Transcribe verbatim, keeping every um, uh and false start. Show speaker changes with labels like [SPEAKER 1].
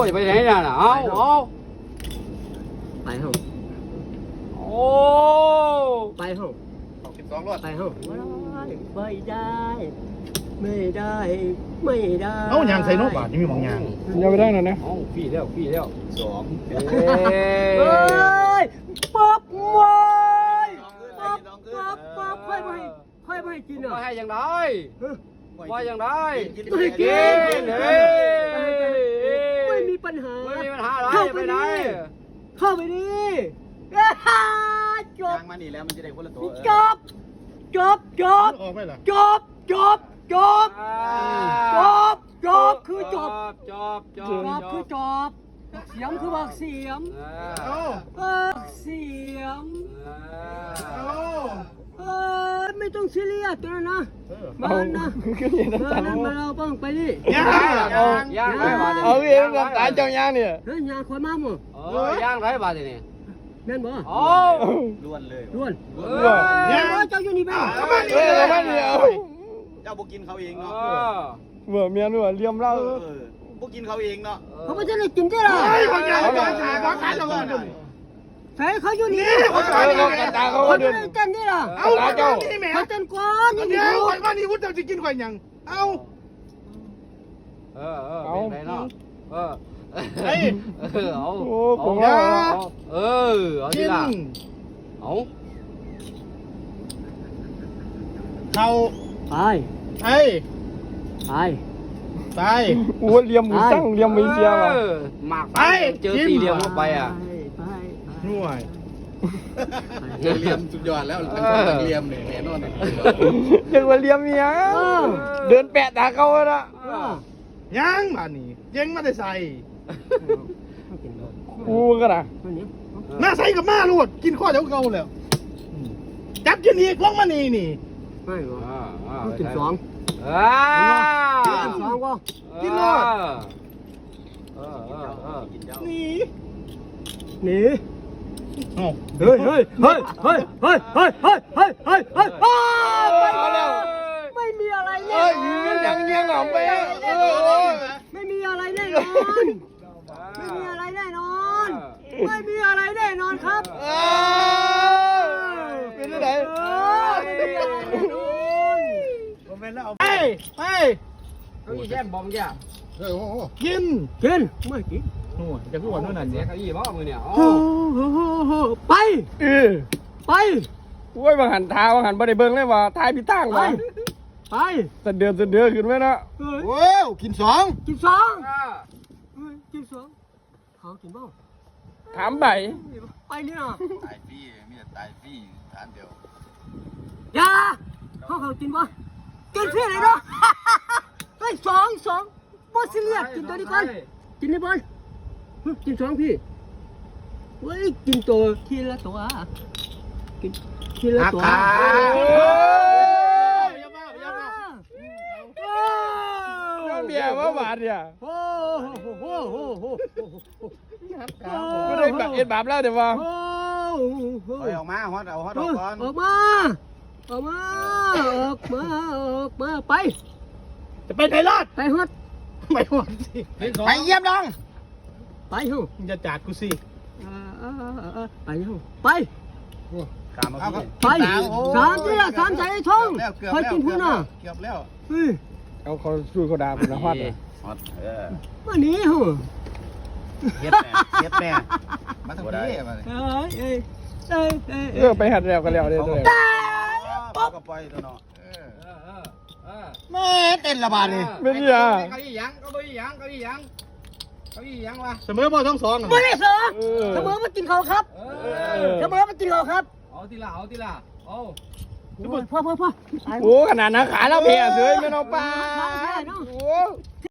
[SPEAKER 1] ยไปไหนน่ะเอาเอา
[SPEAKER 2] ไปห้อง
[SPEAKER 1] โอ้
[SPEAKER 2] ไปห้อง
[SPEAKER 3] สิบสองรถ
[SPEAKER 2] ไปห้องไม่ได้ไม่ได้ไม่ได้
[SPEAKER 3] เอายางใส่นกบาทนี่มีมองยาง
[SPEAKER 4] ยังไม่ได้นะเนี่ย
[SPEAKER 1] เอาพี่แล้วพี่แล้ว
[SPEAKER 3] สอง
[SPEAKER 1] เอ้
[SPEAKER 2] เฮ้
[SPEAKER 1] ย
[SPEAKER 2] ยป๊อบเว้ยป๊อบป๊อบป๊อบค่อยไปค่อยไปกินอ่ะ
[SPEAKER 1] มาให้ยังไงมาอย่างไร
[SPEAKER 2] ไม่กิน
[SPEAKER 1] เฮ้ย
[SPEAKER 2] ไม่มีปัญหา
[SPEAKER 1] ไม่มีปัญหาอะไร
[SPEAKER 2] เข้าไป
[SPEAKER 1] ไปไหน
[SPEAKER 2] ดิเข้าไปดิจบ
[SPEAKER 3] ยางมานี่แล้วมันจะได้คนละตัว
[SPEAKER 2] จบจบจบ
[SPEAKER 3] ออกไปเหรอ
[SPEAKER 2] จบจบจบจบจบคือจบ
[SPEAKER 1] จบจ
[SPEAKER 2] จ
[SPEAKER 1] บบ
[SPEAKER 2] คือจบเสียมคือบักเสียม
[SPEAKER 3] เอา
[SPEAKER 2] บักเสียม
[SPEAKER 3] เอา
[SPEAKER 2] เออไม่ต้องซีเรียสตัวนะ
[SPEAKER 4] เอา
[SPEAKER 2] มันนะ
[SPEAKER 4] ขึ้นอย่าง
[SPEAKER 2] เอ
[SPEAKER 4] น้ำ
[SPEAKER 2] อ
[SPEAKER 4] ตาล
[SPEAKER 2] นั่นมาเราบ้างไปดิ
[SPEAKER 3] ยาง
[SPEAKER 1] ย่างไรบาท
[SPEAKER 4] เอาเองน้ำตาลเจ้าย่างเนี่ย
[SPEAKER 2] เฮ้ยยาคนมาหมด
[SPEAKER 1] เออย่างไรบาทนี่
[SPEAKER 2] แม่นบ่
[SPEAKER 1] โอ้
[SPEAKER 3] ล้วนเลย
[SPEAKER 2] ล้วน
[SPEAKER 1] เอ
[SPEAKER 2] เฮ้
[SPEAKER 1] อย
[SPEAKER 2] เจ้าอยู่นี่แม่
[SPEAKER 4] เออแล้วมันเนี่ย
[SPEAKER 3] เจ้าบุกินเขาเองเนาะ
[SPEAKER 4] เมื่อเมียนว่าเลี้ยมเล่า
[SPEAKER 3] เออบุกินเขาเองเนาะ
[SPEAKER 2] เขาไม่ได้กินได้หรอ
[SPEAKER 3] เฮ้ยบางอย่างบางอย่างบางอย่างเราเดิน
[SPEAKER 2] ใส่เขาอยู่นี่
[SPEAKER 4] เขาเขาตาเขา
[SPEAKER 2] เขา
[SPEAKER 4] เดิ
[SPEAKER 2] ไม่
[SPEAKER 4] น
[SPEAKER 2] ได้เต้นได้หรอ
[SPEAKER 3] เอาเจ้านี่แม่
[SPEAKER 2] เขาเต้นก่อน
[SPEAKER 3] เดี๋
[SPEAKER 2] นี่
[SPEAKER 3] ยว
[SPEAKER 2] ดู
[SPEAKER 3] วันวันนี้วุฒิจะกินข่อยยังเอา
[SPEAKER 1] เออเออเป็นไรเนาะเออ
[SPEAKER 3] เฮ้ย
[SPEAKER 1] เออเอา
[SPEAKER 4] โอ้ผม
[SPEAKER 1] เอา
[SPEAKER 4] ว่า
[SPEAKER 1] เออเอา
[SPEAKER 3] กิ
[SPEAKER 1] ที่
[SPEAKER 3] น
[SPEAKER 1] ละเอา
[SPEAKER 3] เขา
[SPEAKER 2] ไป
[SPEAKER 3] ไอ้
[SPEAKER 2] ไป
[SPEAKER 3] ไป
[SPEAKER 4] อ้วนเลี้ยมมือสั่งเลี้ยมมือเสียว่ะ
[SPEAKER 1] หมากไปเจอตีเหลี่ยมเข้าไปอ่ะ
[SPEAKER 2] ไป
[SPEAKER 3] หน่วยเรียมสุดยอดแล้วเป็นเรียมเนี่ยแน่นอน
[SPEAKER 4] เรียกว่าเลี้ยมเมียเดินแปะตาเขาละ
[SPEAKER 3] ยังมานี่เจ๊งมาได้ใส่
[SPEAKER 4] กูก็นะ
[SPEAKER 3] มาใส่กับมาลูดกินข้อเดียวเก่าแล้วจับกินอีกลงมานี่นี่
[SPEAKER 2] ไม่หรอ
[SPEAKER 1] อ่าอ่า
[SPEAKER 2] กินสอง
[SPEAKER 1] อ่า
[SPEAKER 2] กินสองก็
[SPEAKER 3] กินรอด
[SPEAKER 1] เออเออเออ
[SPEAKER 3] นี่
[SPEAKER 2] หนี
[SPEAKER 3] โอ้
[SPEAKER 2] เฮ้ยเฮ้ยเฮ้ยเฮ้ยเฮ้ยเฮ้ยเฮ้ยเฮ้ยเฮ้ยเฮ้ยเฮ้ยไม่มีอะไรแน่
[SPEAKER 4] เอ้ย
[SPEAKER 2] นอน
[SPEAKER 4] ยังยังหอมไปเออ
[SPEAKER 2] ไม่มีอะไรแน่นอนไม่มีอะไรแน่นอนไม่มีอะไรแน่นอนครับ
[SPEAKER 4] เป็นที่ไหน
[SPEAKER 2] ไม่มีอะไรแน่นอน
[SPEAKER 3] ผมเป็นแล้วไปไป
[SPEAKER 1] เก้าอี้แช่บอมแก
[SPEAKER 3] เฮ้ยโอ้กิน
[SPEAKER 2] กินไม่กิน
[SPEAKER 3] โอ้จะพูดว่านู่นนั่น
[SPEAKER 1] เสี
[SPEAKER 3] เนี่ย ย
[SPEAKER 1] เก้าอี้บ้ามือเนี่ย
[SPEAKER 2] โอ้โหไป
[SPEAKER 4] เออ
[SPEAKER 2] ไป
[SPEAKER 4] โอ้ยบางหันท้าบางหันบ่ได้เบิ่งเลยว่าท้ายพี่ตั้ง
[SPEAKER 2] ไป
[SPEAKER 4] ว่ะ
[SPEAKER 2] ไป
[SPEAKER 4] สะเดือนสะเดือนขึ้นไหมนะ
[SPEAKER 2] เฮ้ย
[SPEAKER 3] โอ้กินสอง
[SPEAKER 2] กินสองเฮ้ยกินสองเขากินบ้าง
[SPEAKER 4] ถามไป
[SPEAKER 2] ไปนี่นะ
[SPEAKER 3] ตายฟรีมีแต่ตายฟรีทานเดียว
[SPEAKER 2] อย่าเขาเขากินบ้างกินเพื่ออะไรเนาะเฮ้ยสองสองบอสเลียกินตัวนี้ก่อนกินนี่บอลกินสองพี่เฮ้ยกินตัวทีละตัวกินทีละตัว
[SPEAKER 4] เมียว่าหวานเนี่ย
[SPEAKER 2] โอ้โหโอ้โหโอ้โห
[SPEAKER 4] ก็ได้แบบเอ็ดบาปแล้วเดี๋ยวว่า
[SPEAKER 2] โอ้โห
[SPEAKER 3] เอาออกมาฮอตเอาฮอตออกก่อน
[SPEAKER 2] ออกมาออกมาออกมาออกมาไป
[SPEAKER 3] จะไปไหนรอด
[SPEAKER 2] ไปฮอด
[SPEAKER 3] ไม่ฮอดสิไปเยี่ยมน้อง
[SPEAKER 2] ไปฮู้
[SPEAKER 3] มึงจะจัดกูสิ
[SPEAKER 2] ไปฮู้ไป
[SPEAKER 3] กามาพี่
[SPEAKER 2] ไปสามที่ละสามใจทองคอยกินพูน่ะ
[SPEAKER 3] เกือบแล้ว
[SPEAKER 2] เฮ้ย
[SPEAKER 4] เอาเขาสู้เขาด่าผมนะฮอดเลย
[SPEAKER 3] ฮอตเออ
[SPEAKER 2] มานี่ฮู้
[SPEAKER 3] เฮ็ดแม่เฮ็ดแม่มาทำนี่มาเลย
[SPEAKER 2] เอ้ยเอ้ยเอ้ยเอ้ย
[SPEAKER 4] เออไปหัดแล้วก็แล้วเด้อเลย
[SPEAKER 3] ป๊อปก็ปล่อยตัวเนาะ
[SPEAKER 1] เออเออเออ
[SPEAKER 3] แม่เต้นระบาดเลย
[SPEAKER 4] ไม่มีอ่ะ
[SPEAKER 1] เก้าอี้ยังเก้าอี้ยังเก้าอี้ยังเก้าอี้ยังวะ
[SPEAKER 3] เสมอบ่ทั้งสอง
[SPEAKER 2] ไม่ได้เสมอ
[SPEAKER 4] เออ
[SPEAKER 2] เสมอมากินเขาครับ
[SPEAKER 1] เอ
[SPEAKER 2] เสมอมากินเขาครับ
[SPEAKER 1] เอาทีละเอาทีละเอา
[SPEAKER 2] พ่อพ่อพ่อ
[SPEAKER 4] โอ้ขนาดนักขาเราเพียเฉยไม่เอาปลา
[SPEAKER 2] ใช่เนาะ
[SPEAKER 4] โอ้